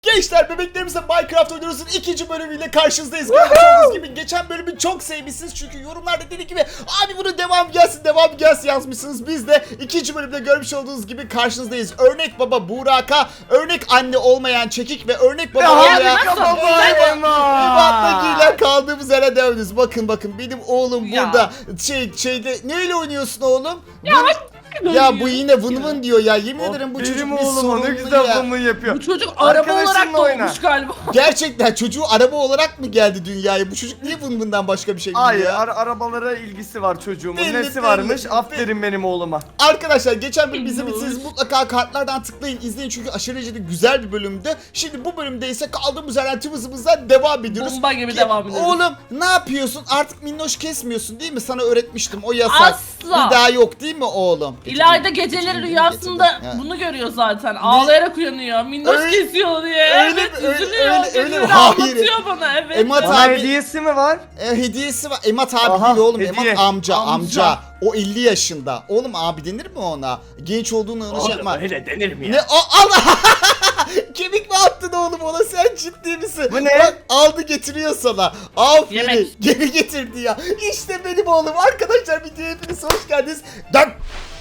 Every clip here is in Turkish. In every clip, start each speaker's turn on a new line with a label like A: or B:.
A: Gençler, bebeklerimizle Minecraft oynuyoruz'un ikinci bölümüyle karşınızdayız. Gördüğünüz gibi geçen bölümü çok sevmişsiniz çünkü yorumlarda dedi gibi abi bunun devam gelsin yazmışsınız. Biz de ikinci bölümde görmüş olduğunuz gibi karşınızdayız. Örnek baba Burak'a, örnek anne olmayan Çekik ve örnek baba olmayan İbat'la giyilen kaldığımız yere dövdünüz. Bakın benim oğlum burada şeyde neyle oynuyorsun oğlum? Ya bu yine vın vın diyor ya, yemin ederim bu çocuk
B: Benim
A: bir
B: oğlum ne
A: sorunlu
B: güzel
A: ya.
B: vın vın yapıyor.
C: Bu çocuk araba olarak
B: Arkadaşınla oyna.
C: doğmuş galiba.
A: Gerçekten çocuğu araba olarak mı geldi dünyaya? Bu çocuk niye vın vından başka bir şey bilmiyor
B: Hayır,
A: ya?
B: arabalara ilgisi var çocuğumun.
A: Belli,
B: Nesi varmış?
A: belli.
B: Aferin benim oğluma.
A: Arkadaşlar geçen bölüm
C: Bilmiyorum.
A: izlemediyseniz mutlaka kartlardan tıklayın, izleyin çünkü aşırı derecede güzel bir bölümdü. Şimdi bu bölümde ise kaldığımız yerden tüm hızımızla devam ediyoruz.
C: Bomba gibi devam ediyoruz.
A: Oğlum ne yapıyorsun? Artık minnoş kesmiyorsun değil mi? Sana öğretmiştim, o yasak.
C: Asla.
A: Bir daha yok değil mi oğlum?
C: İlayda geceleri rüyasında
A: getirdim.
C: bunu görüyor zaten. Ağlayarak uyanıyor. Minnoş
A: Öyle-
C: kesiyor diye.
A: öyle
C: Evet
A: mi? Öyle-
C: üzülüyor.
A: öyle- öyle
C: Geceleri
A: mi? Hayır.
C: anlatıyor bana. Evet.
A: Emat
B: Bana
A: abi
B: hediyesi mi var?
A: hediyesi var. Emat abi
B: Aha,
A: değil oğlum.
B: hediye.
A: Emat amca.
C: Amca.
A: O 50 yaşında. Oğlum abi denir mi ona? Genç olduğunu şey yapma.
B: öyle denir mi ya?
A: Ne? Allah! Kemik mi attın oğlum ona? Sen ciddi misin?
B: Bu ne?
A: Bak, aldı getiriyor sana. Aferin.
C: Yemek.
A: Geri getirdi ya. İşte benim oğlum. Arkadaşlar videoya hepiniz hoş geldiniz. Dön.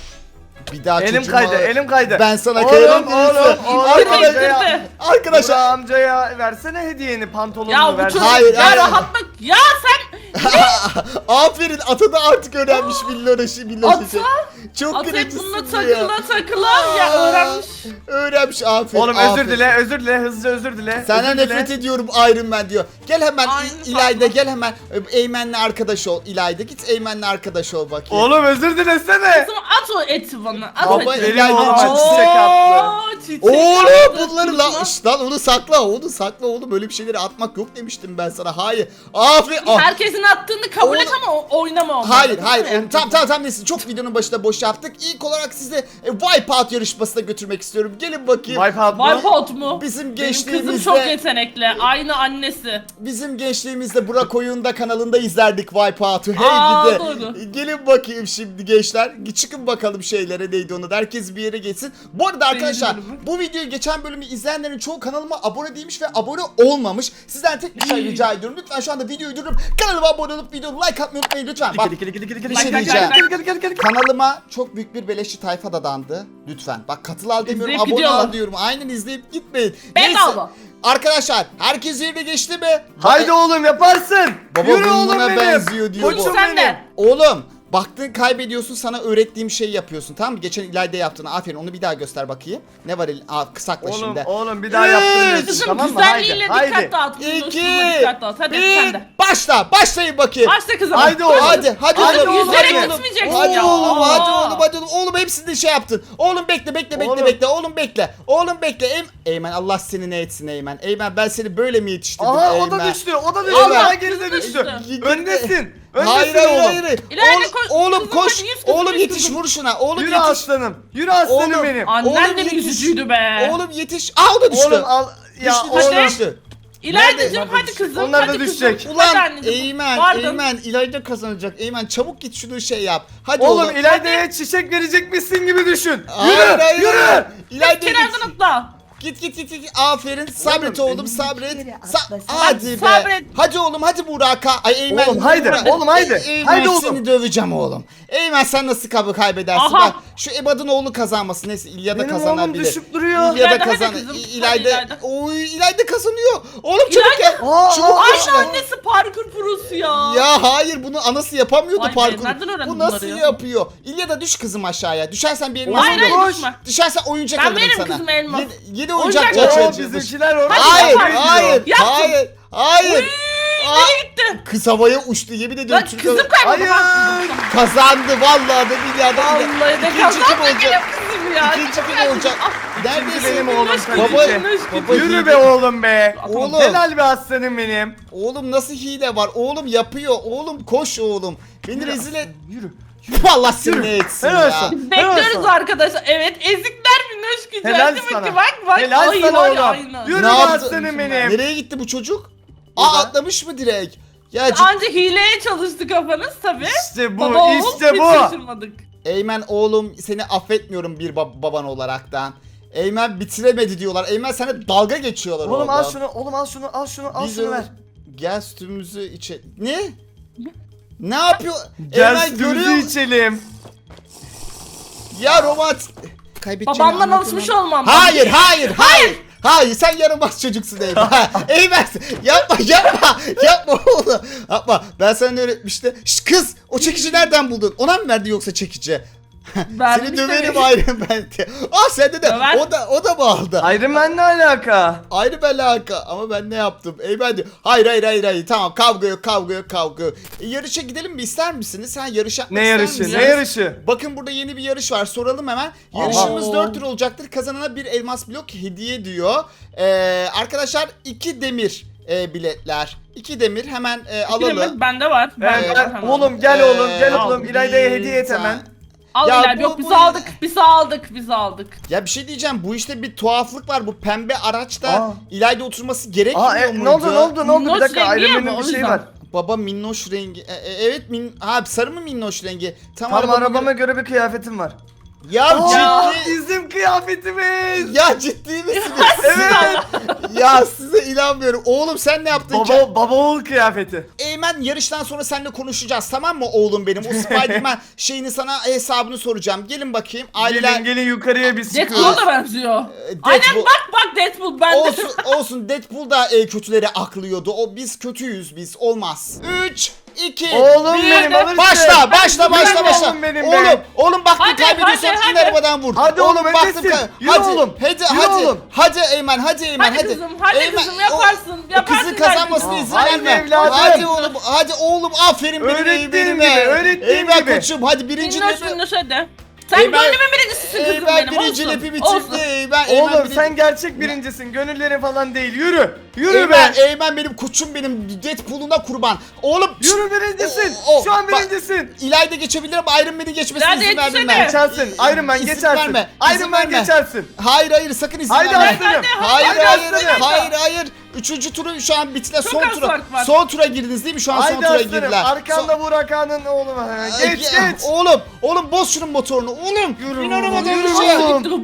A: Bir daha
B: Elim
A: çocuğuma-
B: kaydı, elim kaydı.
A: Ben sana
B: Oğlum,
A: kayarım
B: oğlum,
A: birisi.
B: oğlum,
A: Arkadaşlar,
B: amcaya-
A: arkadaşlar.
B: Burak amcaya versene hediyeni, pantolonunu
C: Ya bu
B: versene.
C: çocuk
A: Hayır,
C: ya
A: hayır.
C: rahatla. Ya sen
A: Aferin, ata da artık öğrenmiş Milloş için. Çok
C: at hep
A: kırıcısın
C: bununla
A: ya.
C: takıla ya öğrenmiş.
A: Öğrenmiş, aferin.
B: Oğlum
A: aferin.
B: özür dile, hızlıca özür dile.
A: Senden
B: özür dile.
A: nefret ediyorum Iron Man diyor. Gel hemen
C: Aynı
A: İlayda,
C: farklı.
A: gel hemen Eymen'le arkadaş ol. İlayda git Eymen'le arkadaş ol bakayım.
B: Oğlum özür dilesene.
C: Kızım at o eti bana. At
A: Baba,
C: o eti.
B: Benim oğlum
A: Oo,
B: çiçek attı.
C: Çiçek
A: Oğlum
C: attı.
A: bunları lan onu sakla, oğlum öyle bir şeyleri atmak yok demiştim ben sana. Hayır. Aferin.
C: Herkesin attığını kabul et ama oynama onları.
A: Hayır.
C: Evet.
A: Tamam neyse, çok videonun başında boş yaptık. İlk olarak sizi Wipeout yarışmasına götürmek istiyorum. Gelin bakayım.
B: Wipeout mu?
C: Wipeout mu?
A: Bizim
C: Benim kızım
A: gençliğimizde
C: çok yetenekli. Aynı annesi.
A: Burak Oyun'da kanalında izlerdik Wipeout'u. Hey
C: Aa,
A: gidi.
C: doğru.
A: Gelin bakayım şimdi gençler. Çıkın bakalım şeylere, neydi onu da. Herkes bir yere geçsin. Bu arada arkadaşlar, bu videoyu geçen bölümü izleyenlerin çoğu kanalıma abone değilmiş ve abone olmamış. Sizden tek bir şey rica ediyorum. Lütfen şu anda videoyu durdurup kanalıma abone olup videoyu like atmayı unutmayın lütfen. Bak, bir şey diyeceğim. Kanalıma çok büyük bir beleşçi tayfa dadandı. Lütfen. Bak, katıl al demiyorum,
C: İzleyip
A: abone
C: gidiyorlar.
A: al diyorum. Aynen, izleyip gitmeyin.
C: Bedava.
A: Arkadaşlar, herkes yerine geçti mi?
B: Haydi oğlum yaparsın.
A: Baba
B: Yürü oğlum
A: buna
B: benim.
A: benziyor diyor bu.
B: Koçum
C: Sen
B: benim.
C: de.
A: Oğlum baktın kaybediyorsun, sana öğrettiğim şeyi yapıyorsun, tamam mı? Geçen İlayda yaptığını, aferin, onu bir daha göster bakayım. Ne var elin? Sakla
B: Oğlum
A: şimdi.
B: oğlum bir daha
A: Üç.
B: yaptırmıyorsun,
C: Kızım
B: tamam mı?
C: güzelliğiyle
B: Haydi.
C: dikkat dağıt.
A: İki,
C: Dikkat dağıt. Hadi sen de.
A: başlayın bakayım.
C: Başla kızım.
B: Haydi oğlum.
A: Hadi
B: Hadi
A: oğlum.
B: oğlum,
A: Hadi
B: hadi.
A: oğlum.
C: Gitmeyeceksin
A: Hadi
C: ya.
A: oğlum,
C: Aa.
A: hadi oğlum. Oğlum hepsini şey yaptın. Oğlum bekle.
B: Oğlum.
A: Oğlum bekle. Oğlum bekle. Eymen, Allah seni ne etsin Eymen. Eymen, ben seni böyle mi yetiştirdim
B: Aha
A: Eymen?
B: o da düştü.
A: Eymen.
B: Daha geride düştü.
C: Düştü.
B: Öndesin.
A: Hayır
B: Öndesin oğlum.
C: İlayda koş.
A: Oğlum
C: Kızım,
A: koş.
C: hadi yüz kızım,
A: Oğlum
C: yüz
A: yetiş,
C: kızım.
A: vur şuna. Oğlum
B: Yürü
A: yetiş.
B: aslanım. Yürü aslanım
A: Oğlum.
B: benim.
C: Annen
A: Oğlum
C: de bir
A: yetiş.
C: üzücüydü be.
A: Oğlum yetiş. Aa, o da düştü.
B: Oğlum al. Ya
A: Düştü,
B: oğlum.
A: düştü.
C: İlaydacığım
B: Nerede?
C: hadi kızım.
B: Onlar da
C: hadi
B: düşecek.
C: Kızım.
A: Ulan
C: Hadi anneciğim. Pardon.
A: Eymen İlayda kazanacak. Eymen çabuk git şunu şey yap. Hadi
B: Oğlum
A: oğlum.
B: İlayda'ya çiçek verecekmişsin gibi düşün.
A: Hayır.
B: Yürü.
A: İlayda git.
C: Kenardan atla.
A: Git. Aferin. Sabret oğlum, sabret. Hadi
C: Hadi,
A: be.
C: sabret.
A: Hadi oğlum, hadi Burak'a. Ay Eymen.
B: Oğlum, haydi. Oğlum, haydi.
A: Eymen,
B: Haydi oğlum.
A: seni döveceğim oğlum. Eymen, sen nasıl kaybedersin?
C: Aha.
A: Bak şu Ebad'ın oğlu kazanmasın. Neyse İlya da
B: Benim oğlum
A: kazanabilir.
B: düşüp duruyor.
A: İlya da
C: İlayda, hadi
A: kazan.
C: kızım.
A: İlayda.
C: Hadi İlayda.
A: Oy, İlayda kazanıyor. Oğlum çabuk
C: İlayda.
A: gel.
B: Aa,
A: Çabuk
B: aa,
A: gel.
C: Aynı annesi parkur prosu ya.
A: Ya hayır, bunu anası yapamıyordu
C: Vay be,
A: parkur.
C: nereden öğrendin
A: Bu nasıl
C: bunları ya?
A: yapıyor? İlya da düş kızım aşağıya. Düşersen bir elmas
C: Hayır
A: alırım.
C: hayır
B: Koş.
C: düşme.
A: Düşersen oyuncak
C: Ben
A: alırım
C: veririm
A: sana.
C: kızıma elmas.
A: Yedi oyuncak
C: Oyuncak
B: Oo,
A: çerçevesi.
B: bizimkiler orada.
A: Hayır,
C: Hadi yapar.
A: hayır,
C: Yaptım.
A: hayır, hayır.
C: Nereye gitti?
A: Kız havaya uçtu, yemin ediyorum.
C: Lan
A: Türkiye
C: kızım kayboldu.
B: Hayır.
A: kazandı vallahi da milyarda.
C: Vallahi de
A: İkinci
C: kazandı
A: kim olacak?
C: benim kızım ya.
A: İkinci kim
C: Çok
A: olacak?
C: Ah,
A: Neredesin?
B: benim oğlum
C: minnoş
B: kaleci.
C: gidiyor, minnoş
A: Baba,
C: gidiyor.
B: Yürü be oğlum be.
A: Oğlum.
B: Helal be aslanım benim.
A: Oğlum nasıl hile var? Oğlum yapıyor. Oğlum koş oğlum. Beni rezil et.
B: Yürü.
A: Allah seni ne etsin
B: Helal
A: ya.
B: olsun.
C: Bekliyoruz
B: sana.
C: arkadaşlar. Evet ezikler minnoş güzel.
B: Helal
C: Değil mi
B: sana.
C: ki? Bak.
B: Helal
C: Ay,
B: sana
C: var ya,
B: oğlum.
C: aynen.
B: Yürü
A: Ne
B: be
A: yaptı?
B: aslanım benim.
A: Nereye gitti bu çocuk?
B: Burada.
A: Atlamış mı direkt? Ya
C: Anca hileye çalıştı kafanız tabi.
B: İşte bu,
C: Baba oğul
B: işte
C: hiç
B: bu.
C: şaşırmadık.
A: Eymen oğlum, seni affetmiyorum bir baban olaraktan. Eymen bitiremedi diyorlar. Eymen sana dalga geçiyorlar
B: Oğlum
A: orada.
B: al şunu, oğlum al şunu, al şunu, al
A: Biz
B: şunu
A: öyle-
B: ver.
A: Gel sütümüzü içe... Ne? Ne yapıyor?
B: Gel
A: Eymen görüyor
B: sütümüzü
A: musun?
B: içelim.
A: Ya romantik... Kaybedeceğini
C: Babamdan
A: anlatamam.
C: alışmış olmam.
A: Hayır, hayır, hayır. Hayır, sen yaramaz çocuksun Eymen. Eymen, yapma oğlum. Yapma. Ben sana ne öğretmiştim? Şş, kız, o çekici nereden buldun? Ona mı verdi yoksa çekici?
C: Vermiş
A: Seni döverim
C: tabii.
A: Iron Man diye. Ah sende de
C: Döver.
A: o da mı aldı?
B: Iron Man ne alaka?
A: Ayrı alaka ama ben ne yaptım? Eymen diyor. Hayır. Tamam kavga yok. Yarışa gidelim mi ister misiniz? Sen yarış yapmak
B: Ne
A: ister
B: yarışı?
A: misiniz?
B: Ne yarışı?
A: Bakın burada yeni bir yarış var. Soralım hemen.
B: Aha.
A: Yarışımız 4 tur olacaktır. Kazanana bir elmas blok hediye diyor. Arkadaşlar 2 demir biletler. 2 demir hemen alalım.
C: Alalım. Bende var. Bende
A: Evet.
C: var hemen.
B: Oğlum gel oğlum, gel
C: al.
B: oğlum. İlayda'ya hediye et hemen.
C: Al
A: Ya
C: İlay.
A: bu-
C: Yok biz
A: bu-
C: aldık. Biz aldık.
A: Ya bir şey diyeceğim. Bu işte bir tuhaflık var. Bu pembe araçta
B: Aa.
A: İlayda oturması gerekmiyor
B: Aa,
A: muydu?
B: ne oldu? Bir
C: Minnoş
B: dakika,
C: rengi
B: Iron
C: ya
B: Man'in
C: bu,
B: bir
C: o
B: şeyi
C: yüzden.
B: var.
A: Baba minnoş rengi. Evet sarı mı minnoş rengi?
B: Tam
A: arabama
B: arabama göre bir kıyafetim var.
A: Ya
B: Aa,
A: ciddi.
B: bizim kıyafetimiz.
A: Ya ciddi misiniz?
B: Evet.
A: Ya size inanmıyorum. Oğlum sen ne yaptın ki?
B: Baba oğul kıyafeti.
A: Eymen yarıştan sonra seninle konuşacağız tamam mı oğlum benim? O Spiderman şeyini sana hesabını soracağım. Gelin bakayım. Aileler
B: Gelin yukarıya biz
C: Deadpool'a
B: çıkıyoruz.
C: da benziyor.
A: Deadpool-
C: Aynen bak Deadpool bende.
A: olsun Deadpool da kötüleri aklıyordu. O biz kötüyüz biz. Olmaz. 3 2
B: Oğlum
A: 1
B: benim, alırsın.
A: Başla.
B: Oğlum benim be.
A: Oğlum baktın
C: Hadi,
A: kaybediyorsan
C: hadi,
A: in
C: hadi.
A: arabadan vur.
B: Hadi oğlum,
A: baktın
B: öndesin. Yürü oğlum, yürü oğlum.
A: Hadi Eymen hadi.
C: Hadi kızım, hadi kızım, yaparsın,
A: O
C: yaparsın
A: kızın kazanmasına
C: kardeşim.
A: izin
B: Haydi
A: verme.
B: evladım.
A: Hadi oğlum aferin benim
B: Öğrettiğim
A: Eymen'ime.
B: gibi, öğrettiğim
A: Eymen
B: gibi.
A: koçum hadi birinci
C: Minnoş hadi. Sen
A: Eymen-
C: gönlümün birincisisin kızım
A: Eymen
C: benim.
A: birinci
C: Olsun.
A: lepi
C: Olsun.
A: bitirdi. Eymen
B: Oğlum
A: birinci-
B: sen gerçek birincisin. Gönüllerin falan değil. Yürü. Yürü
A: Eymen,
B: be.
A: Eymen benim koçum benim Deadpool'una kurban. Oğlum
B: Yürü birincisin. Şu an
A: bak,
B: birincisin.
A: İlayda geçebilir ama Iron Man'in geçmesine
C: Hadi
A: izin
C: yetişsene.
A: vermem.
B: Geçersin. Iron Man
A: İzin
B: geçersin.
A: verme,
B: Iron
A: izin
B: Man
A: verme.
B: geçersin.
A: Hayır sakın izin
B: Haydi
A: verme.
B: aslanım.
A: Hayır
B: aslanım.
A: hayır. Üçüncü turu şu an bitti.
C: Çok
A: Son
C: az
A: tura.
C: fark var.
A: Son tura girdiniz değil mi? Şu an son
B: Haydi
A: tura
B: aslanım.
A: girdiler.
B: Arkanda Burak Ağa'nın oğlu var. Geç geç.
A: Oğlum boz şunun motorunu. Oğlum.
B: Yürü
A: İn
B: oğlum,
A: arabadan
B: yürü
A: bir şey.
B: oğlum.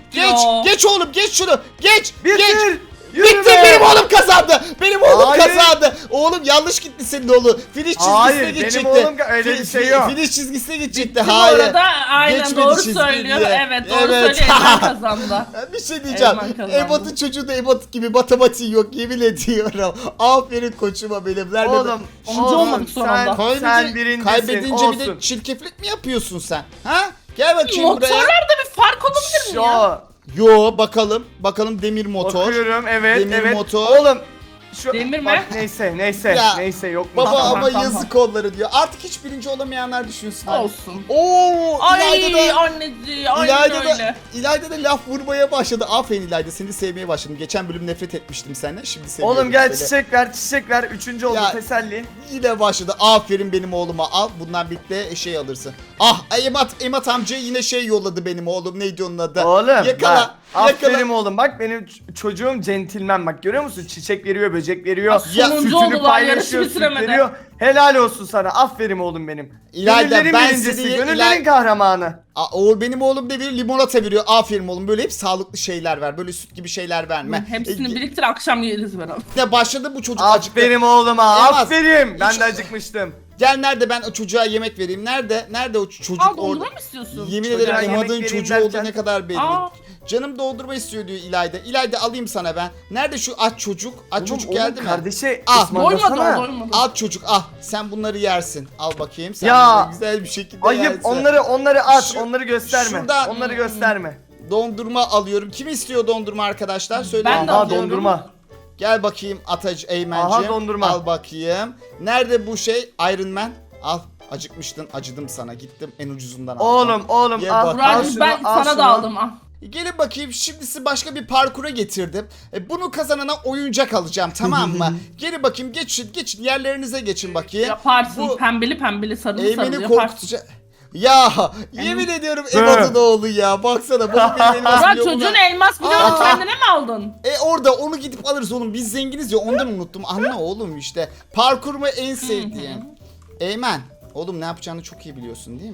A: Geç oğlum geç şunu. Geç.
B: Bitir. Yürü
A: Bitti
B: be.
A: benim oğlum kazandı. Benim oğlum
B: Hayır.
A: kazandı. Oğlum yanlış gitti senin oğlu. Finish çizgisine
B: Hayır, benim
A: gidecekti.
B: oğlum öyle bir şey yok.
A: Finish çizgisine gidecekti.
C: Bitti bu
A: Hayır.
C: arada aynen
A: Geçmedi
C: doğru
A: çizgiyi
C: söylüyor.
A: diye.
C: Evet doğru
A: Evet.
C: söylüyor. Eymen kazandı.
A: Bir şey diyeceğim.
C: Eymen kazandı.
A: Ebat'ın çocuğu da Ebat gibi matematiği yok yemin ediyorum. Aferin koçuma benim. Nerede
B: Oğlum,
C: Onuncu olmadık son anda.
B: sen birincisin.
A: Kaybedince bir de
B: olsun.
A: çirkeflik mi yapıyorsun sen? Ha? Gel bakayım buraya.
C: Motorlarda bir fark olabilir mi ya?
A: Yo bakalım. Bakalım demir motor.
B: Bakıyorum evet
A: Demir
B: evet.
A: motor.
B: Oğlum. Şu,
C: Demir mi?
B: bak, neyse
A: Ya,
B: neyse yok mu?
A: Baba
C: Tamam,
A: ama
C: tamam.
A: yazık onları diyor. Artık hiç birinci olamayanlar düşünsün. hadi.
C: Olsun.
A: Oo,
C: Ay
A: İlayda da
C: anneciğim aynen öyle.
A: İlayda da laf vurmaya başladı. Aferin İlayda seni sevmeye başladım. Geçen bölüm nefret etmiştim senden. Şimdi seviyorum
B: Oğlum gel
A: seni.
B: çiçek ver. Üçüncü oldu
A: Ya,
B: teselli.
A: Yine başladı. Aferin benim oğluma al. Bundan birlikte şey alırsın. Ah Emat amca yine şey yolladı benim oğlum. Neydi onun adı?
B: Oğlum
A: Yakala.
B: bak, aferin
A: Yakala.
B: oğlum bak benim çocuğum centilmen bak görüyor musun? Çiçek veriyor, böcek veriyor.
C: Ya, sonuncu
B: sütünü
C: oldular,
B: paylaşıyor,
C: yarışı
B: süt
C: bitiremedi.
B: veriyor. Helal olsun sana. Aferin oğlum benim.
A: İlayda,
B: Gönüllerin
A: ben
B: birincisi,
A: seni-
B: gönüllerin kahramanı.
A: Benim oğlum ne veriyor? Limonata veriyor. Aferin oğlum. Böyle hep sağlıklı şeyler ver. Böyle süt gibi şeyler verme.
C: Hepsini biriktir akşam yeriz beraber.
A: Ne başladı bu çocuk acıktı.
B: Aferin oğluma,
A: Elmas,
B: aferin. Ben
A: hiç-
B: de acıkmıştım.
A: Gel nerede ben o çocuğa yemek vereyim? Nerede o çocuk
C: Aa
A: orada?
C: dondurma mı istiyorsun?
A: Yemin
B: Çocuğa
A: ederim
B: yemek
A: Emad'ın
B: vereyim
A: çocuğu
B: derken-
A: olduğu ne kadar belli.
C: Aa.
A: Canım doldurma istiyor diyor İlayda. İlayda alayım sana ben. Nerede şu aç çocuk? Aç çocuk geldi mi?
B: Kardeşe
A: Ah,
C: Doymadı
B: ısmarlasana.
C: doymadı.
A: Al çocuk al. Sen bunları yersin. Al bakayım. Sen
B: Ya.
A: bunları güzel bir şekilde
B: Ayıp
A: yersin.
B: onları at,
A: Şu-
B: onları gösterme.
A: şuradan-
B: Onları gösterme.
A: Dondurma alıyorum. Kim istiyor dondurma arkadaşlar? Söyle.
C: Ben de
B: Aha
C: alıyorum.
B: dondurma.
A: Gel bakayım Atacı Eymen'cim.
B: Aha, dondurma.
A: Al bakayım. Nerede bu şey? Iron Man. Al. Acıkmıştın. Acıdım sana. Gittim en ucuzundan aldım.
B: Oğlum
A: Ye
B: al,
A: bak.
B: al
C: Burak'cığım
B: şunu,
C: ben
B: al
C: sana
B: şunu.
C: da aldım ah.
A: Gelin bakayım şimdi sizi başka bir parkura getirdim. Bunu kazanana oyuncak alacağım tamam mı? Gelin bakayım geçin yerlerinize geçin bakayım.
C: Yaparsın
A: Bu
C: pembeli sarılı
A: Eymen'i
C: sarılı yaparsın.
A: korkutacak. Ya yemin ediyorum Emad'ın oğlu ya. Baksana bu benim elmas
C: Burak
A: bloğum
C: çocuğun
A: ya.
C: elmas bloğunu
A: Aa.
C: kendine mi aldın?
A: Orada onu gidip alırız oğlum. Biz zenginiz ya ondan unuttum. Anla oğlum işte. Parkur mu en sevdiğim. Eymen. Oğlum ne yapacağını çok iyi biliyorsun değil mi?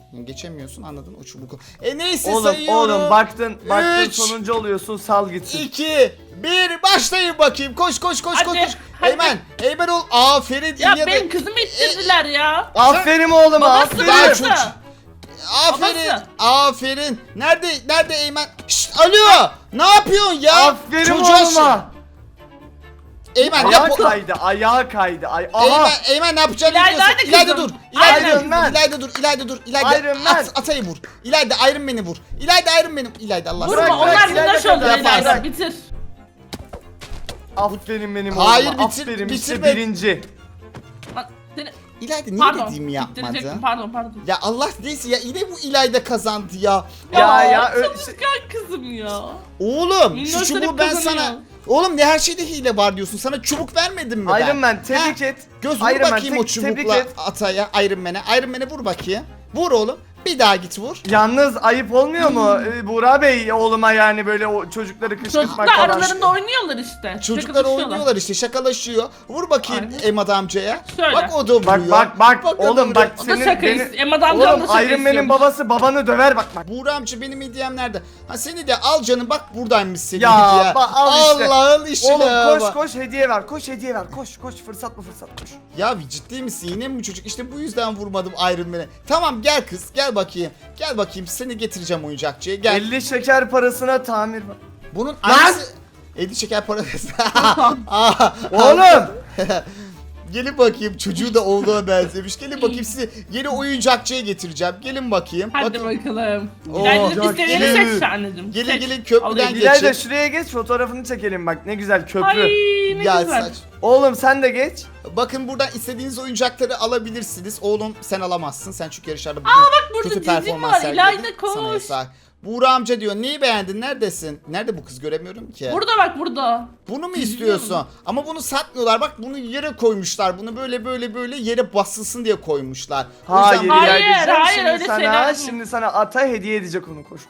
A: Geçemiyorsun, anladın, o çubuk. Neyse
B: Oğlum
A: sayıyorum.
B: baktın
A: Üç,
B: sonuncu oluyorsun, sal gitsin.
A: 2 1 başlayın bakayım. Koş koş koş
C: Hadi,
A: koş.
C: hadi.
A: Eymen ol. Aferin.
C: Ya
A: İlyada-
C: benim kızımı ittirdiler ya.
B: Aferin oğluma,
C: Babası
A: Daha
B: aferin.
A: çok-
C: babası.
A: Aferin.
C: Babası.
A: Aferin. Nerede Eymen? Şşt, alo. Ne yapıyorsun ya?
B: Aferin
A: Çocuğa
B: oğluma.
A: Eymen
B: Ayağı
A: yap.
B: kaydı, ayağı kaydı. Aha.
A: Eymen ne yapacaksın?
C: İlayda,
A: biliyorsun.
C: hadi
A: İlayda
C: kızım.
A: dur. İlayda
B: Iron
A: dur.
B: Man.
A: İlayda dur. İlayda
B: Iron Man.
A: Atayı vur. İlayda Iron Man'i vur. İlayda Iron Man'i. İlayda Allah
B: Bırak,
C: Vurma
B: bırak,
C: onlar
B: İlayda
C: minnoş oldu
B: kadar
C: İlayda.
A: yaparsın.
C: Bitir.
B: Aferin benim
A: Hayır,
B: oğluma.
A: bitir-
B: Aferin işte
A: bitirme.
B: birinci.
C: Bak, seni...
A: İlayda niye
C: Pardon.
A: dediğimi yapmadı?
C: ittirecektim, pardon.
A: Ya Allah neyse ya, yine bu İlayda kazandı ya.
B: Ya,
C: Çalışkan kızım ya.
A: Oğlum şu
C: Minnoşlar
A: çubuğu
C: hep
A: ben
C: kazanıyor.
A: sana... Oğlum ne her şeyde hile var diyorsun. Sana çubuk vermedim mi ben?
B: Iron Man tebrik
A: Ha?
B: et.
A: Göz vur
B: Iron Man,
A: bakayım o
B: tebrik
A: çubukla
B: et.
A: Ataya, Iron Man'e. Iron Man'e vur bakayım. Vur oğlum. Bir daha git vur.
B: Yalnız ayıp olmuyor mu Buğra Bey oğluma, yani böyle o çocukları kışkırtmak
C: Çocuklar
B: falan.
C: aralarında oynuyorlar işte.
A: Çocuklar
C: Şakalaşıyorlar.
A: oynuyorlar işte, şakalaşıyor. Vur bakayım
C: Aynen.
A: Emad amcaya.
C: Şöyle.
A: Bak o da vuruyor.
B: Bak
A: o da
B: oğlum
A: vuruyor.
B: bak,
C: O da
B: senin
C: şaka
B: beni...
C: istiyor. Emad amcam da
B: Oğlum
C: şaka
B: Iron Man'in
C: istiyormuş.
B: babası babanı döver bak.
A: Buğra amca benim hediyem nerede? Ha seni de al canım, bak buradaymış senin
B: Ya,
A: hediye.
B: al işte.
A: Allah'ın işine
B: Oğlum
A: bak.
B: koş hediye ver, koş hediye ver, koş fırsat koş.
A: Ya bir ciddi misin? Yine mi bu çocuk? İşte bu yüzden vurmadım Iron Man'e. Tamam gel kız, gel bakayım. Gel bakayım, seni getireceğim oyuncakçıya. Gel.
B: 50 şeker parasına tamir var.
A: Bunun annesi... 50 şeker parası.
B: Oğlum!
A: Gelin bakayım, çocuğu da oğluna benzemiş. Gelin bakayım, sizi yeni oyuncakçıya getireceğim. Gelin bakayım.
C: Hadi
A: Bakın.
C: bakalım.
A: Oo,
C: İlayda'nın
B: ya,
C: istediğini
A: gelin.
C: seç anneciğim.
A: Gelin
C: Seç.
A: gelin, köprüden
C: Alayım.
A: geçin.
B: İlayda şuraya geç, fotoğrafını çekelim bak, ne güzel köprü.
C: Ay ne
A: Ya
C: güzel.
A: saç.
B: Oğlum sen de geç.
A: Bakın buradan istediğiniz oyuncakları alabilirsiniz. Oğlum sen alamazsın. Sen çünkü yarışlarda
C: Burada
A: kötü
C: cicim
A: performans
C: var.
A: sergiledin.
C: İlayda
A: Sana
C: koş.
A: yasak. Buğra amca diyor, neyi beğendin, neredesin? Nerede bu kız, göremiyorum ki.
C: Burada bak burada.
A: Bunu mu istiyorsun? Ama bunu satmıyorlar. Bak bunu yere koymuşlar. Bunu böyle yere basılsın diye koymuşlar. O
B: Hayır
A: yüzden-
C: Hayır,
B: İlayda'cığım,
C: hayır,
B: şimdi
C: öyle
B: sana,
C: şeyler yok.
B: şimdi sana ata hediye edecek onu. Koş.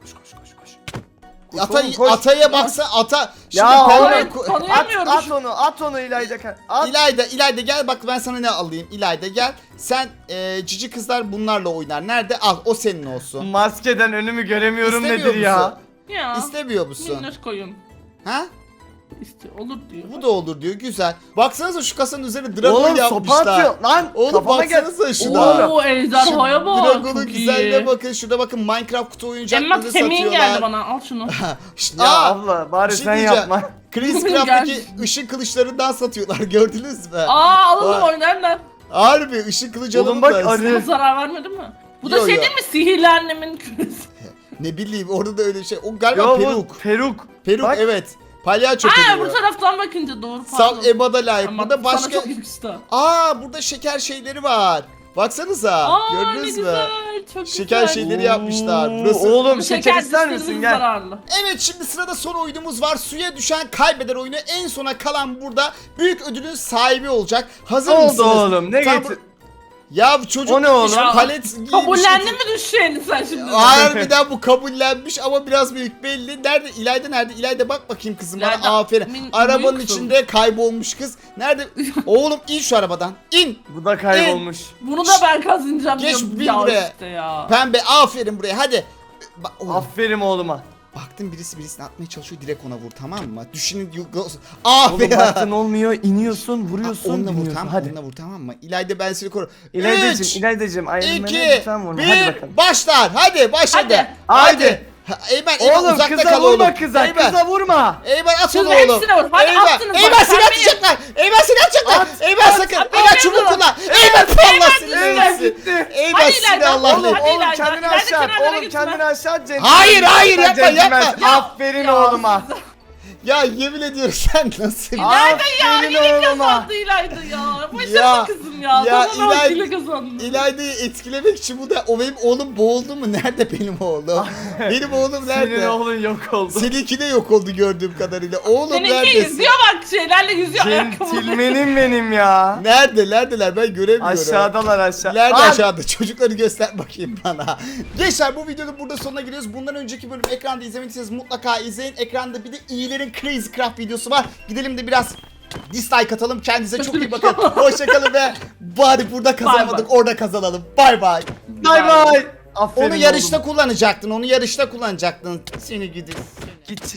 A: Ataya baksa ata.
B: Ya
A: Şimdi
B: oğlum,
A: pembe
C: Evet, tanıyamıyorum.
B: At onu İlayda. At.
A: İlayda gel bak, ben sana ne alayım. İlayda gel. Sen cici kızlar bunlarla oynar. Nerede? Al, o senin olsun.
B: Maskeden önümü göremiyorum
A: İstemiyor
B: nedir ya?
A: musun?
C: Ya.
A: İstemiyor musun?
C: Minnoş koyun.
A: Ha?
C: İstiyor. Olur diyor.
A: Bu da olur diyor. Güzel. Baksanıza şu kasanın üzerine dragon
B: Oğlum sopa
A: yapmışlar.
B: atıyor lan.
A: Oğlum
B: Kafama gel.
A: baksanıza şuna.
C: Oo ejderhaya bak.
A: Dragon'un
C: Çok
A: güzelliğine
C: iyi.
A: bakın. Şurada bakın, Minecraft kutu
C: Emma
A: oyuncaklarını
C: Semih'in
A: satıyorlar.
C: geldi bana. Al şunu.
A: Şşt,
B: Ya
A: aa,
B: abla bari
A: bir şey
B: sen
A: diyeceğim.
B: yapma.
A: Crazycraft'taki
C: Gel.
A: ışın kılıçlarından satıyorlar. Gördünüz mü?
C: Aa alalım
A: Vay.
C: oynarlar.
A: Harbi ışın kılıcı
B: Oğlum
A: alalım
B: bak,
A: da.
B: arı.
C: Zarar vermedi mi? Bu da
A: Yo,
C: şey
A: yo.
C: değil mi? Sihirli annemin küresi.
A: Ne bileyim, orada da öyle şey. O galiba
B: Yo
A: peruk.
B: bu peruk.
A: Peruk
B: Bak.
A: evet. Palyaço
C: Ha bu
A: peruğu.
C: taraftan bakınca doğru
A: Sal
C: pardon.
A: Eba'da layık.
C: Ama
A: Burada
C: sana
A: başka...
C: çok yakıştı.
A: Burada şeker şeyleri var. Baksanıza.
C: Aa ne
A: Gördünüz mü?
C: güzel. Çok
A: Şeker
C: güzel.
A: şeyleri yapmışlar.
B: Oo,
A: Burası...
B: Oğlum
C: Bu
B: şeker ister
C: dişlerimiz
B: misin, gel.
C: zararlı.
A: Evet, şimdi sırada son oyunumuz var. Suya düşen kaybeder oyunu. En sona kalan burada büyük ödülün sahibi olacak. Hazır
B: Ne oldu
A: mısınız?
B: oğlum, ne
A: Tam-
B: getir?
A: Ya bu çocuk
B: O ne oğlum?
A: palet giymiş.
C: Kabullendin mi düşeceğini sen şimdi?
A: Harbiden bu kabullenmiş ama biraz büyük belli. Nerede? İlayda nerede? İlayda bak bakayım kızım bana.
C: İlayda,
A: Aferin. Arabanın
C: büyük
A: içinde kaybolmuş kız. Nerede? Oğlum in şu arabadan. İn.
B: Bu da kaybolmuş.
C: Bunu da ben kazanacağım
A: Geç
C: diyorum.
A: bir
C: Ya
A: buraya.
C: işte ya.
A: Pembe aferin buraya hadi. Oğlum,
B: Aferin oğluma.
A: baktın birisi birisini atmaya çalışıyor, direkt ona vur, tamam mı? Düşünün.
B: Oğlum
A: Aferin.
B: baktın olmuyor, iniyorsun, vuruyorsun,
A: Onunla vur,
B: iniyorsun.
A: tamam.
B: Hadi.
A: Onunla vur, tamam mı? İlayda ben seni korurum.
B: İlaydacığım, Iron Man'e
A: 2
B: lütfen vurma. Hadi
A: 1
B: bakalım.
A: başlar. Hadi başladı.
C: Hadi.
B: Hadi.
A: Eymen
B: Oğlum
A: uzakta
B: kıza
A: kal
B: vurma
A: oğlum.
B: kıza,
A: Eymen.
B: kıza vurma.
A: Eymen at onu
C: Kızın
A: oğlum.
C: hepsine vur. Hadi
A: Eymen.
C: attınız bak,
A: Eymen seni
C: sen
A: atacaklar. Eymen seni atacaklar.
B: At,
A: Eymen sakın.
C: at,
A: Eymen
C: Eymen
A: çubuk
C: dur.
A: kullan. Eymen Allah seni
B: Eymen
A: versin.
B: gitti.
A: Eymen
C: Hadi
A: seni
C: İlayda,
A: Allah
C: oğlum,
A: ne.
C: hadi.
B: Oğlum
C: İlayda,
B: kendini
C: İlayda
B: aşağı at.
C: kenarlara
B: Oğlum
C: gitme.
B: kendini aşağı at.
A: Hayır, hayır, yapma,
B: Centilmen.
A: yapma.
B: Aferin oğluma.
A: Ya yemin ediyorum sen nasıl?
B: Aferin
C: Yine
B: oğluma.
C: kazandı İlayda ya.
A: Ya,
C: Başarılı kızım ya.
A: ya
C: Zaman
A: İlayda-
C: hakkıyla kazandı.
A: İlayda'yı etkilemek için bu da, o benim oğlum boğuldu mu? Nerede benim oğlum? Benim oğlum nerede?
B: Senin oğlun yok oldu.
A: Seninki de yok oldu gördüğüm kadarıyla. Oğlum
C: Seninki
A: neredesin?
C: yüzüyor bak şeylerle yüzüyor ayakkabıları.
B: Centilmenim benim ya.
A: Neredeler ben göremiyorum.
B: Aşağıdalar aşağı.
A: Nerede
B: Lan!
A: aşağıda? Çocukları göster bakayım bana. Gençler bu videonun burada sonuna geliyoruz. Bundan önceki bölüm ekranda izlemediyseniz mutlaka izleyin. Ekranda bir de iyilerin Crazycraft videosu var. Gidelim de biraz Dislike atalım. Kendinize çok iyi bakın. Hoşçakalın ve bari burada kazanamadık. Orada kazanalım. Bay bay.
B: Bay bay. Aferin
A: Onu yarışta
B: oğlum.
A: kullanacaktın. Onu yarışta kullanacaktın. Seni gidi.
B: Git.